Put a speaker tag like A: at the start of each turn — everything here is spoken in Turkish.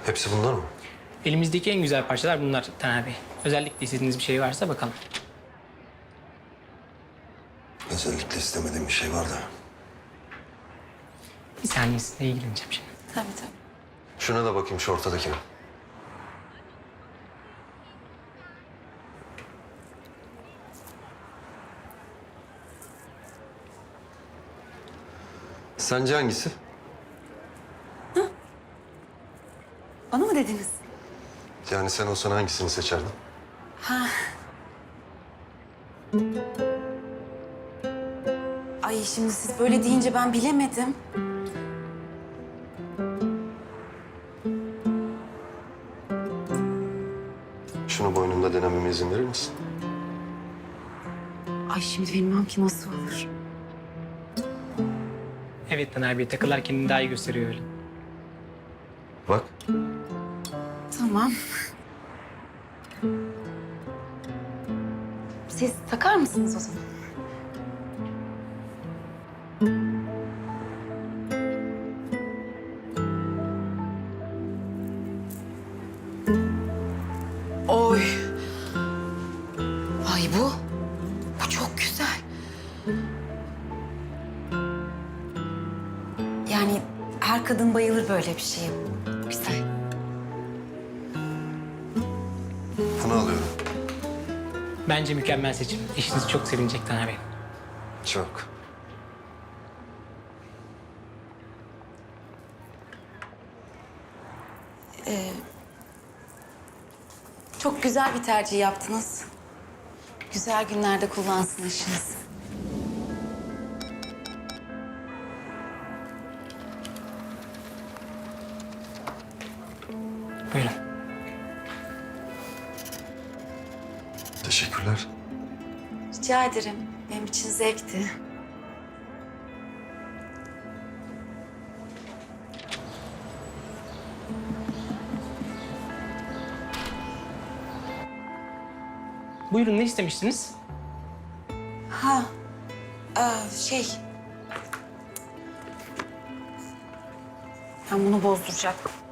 A: Hepsi bunlar mı?
B: Elimizdeki en güzel parçalar bunlar Taner Bey. Özellikle istediğiniz bir şey varsa bakalım.
A: Özellikle istemediğim bir şey var da.
B: Bir saniye sizinle ilgileneceğim şimdi.
C: Tabii tabii.
A: Şuna da bakayım, şu ortadakine. Sence hangisi?
C: Bana mı dediniz?
A: Yani sen olsan hangisini seçerdin?
C: Ay şimdi siz böyle deyince ben bilemedim.
A: Şunu boynunda denememe izin verir misin?
C: Ay şimdi bilmem ki nasıl olur.
B: Evet Taner Bey, takılar kendini daha iyi gösteriyor öyle.
A: Bak.
C: Tamam. Siz takar mısınız o zaman? Oy. Ay bu. Bu çok güzel. Yani her kadın bayılır böyle bir şeye. Güzel.
A: Bunu alıyorum.
B: Bence mükemmel seçim. Eşiniz çok sevinecek Taner Bey.
A: Çok.
C: Çok güzel bir tercih yaptınız. Güzel günlerde kullansın eşiniz.
B: Buyurun.
A: Teşekkürler.
C: Rica ederim. Benim için zevkti.
B: Buyurun, ne istemiştiniz?
C: Ha, şey... Ben bunu bozduracaktım.